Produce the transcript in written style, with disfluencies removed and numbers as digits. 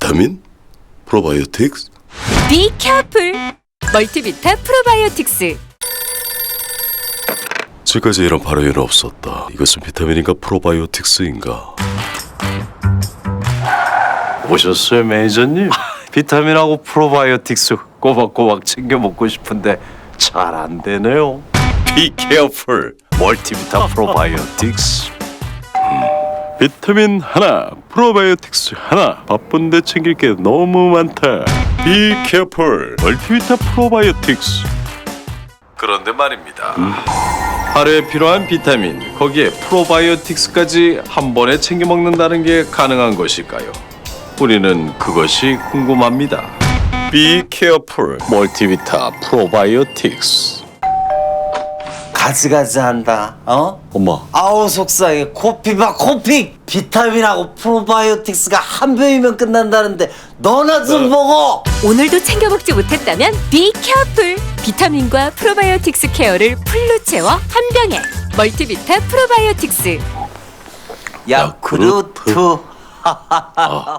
비타민? 프로바이오틱스? Be careful! 멀티비타 프로바이오틱스. 지금까지 이런 발효에는 없었다. 이것은 비타민인가 프로바이오틱스인가? 오셨어요, 매니저님? 비타민하고 프로바이오틱스 꼬박꼬박 챙겨 먹고 싶은데 잘 안 되네요. Be careful. 멀티비타 프로바이오틱스. 비타민 하나, 프로바이오틱스 하나. 바쁜데 챙길 게 너무 많다. Be careful. 멀티비타 프로바이오틱스. 그런데 말입니다. 하루에 필요한 비타민, 거기에 프로바이오틱스까지 한 번에 챙겨 먹는다는 게 가능한 것일까요? 우리는 그것이 궁금합니다. Be careful. 멀티비타 프로바이오틱스. 가지가지한다. 엄마. 아우 속상해. 코피바 코피. 비타민하고 프로바이오틱스가 한 병이면 끝난다는데 너나 좀 먹어. 오늘도 챙겨 먹지 못했다면 Be careful! 비타민과 프로바이오틱스 케어를 풀로 채워 한 병에 멀티비타 프로바이오틱스. 야쿠르트.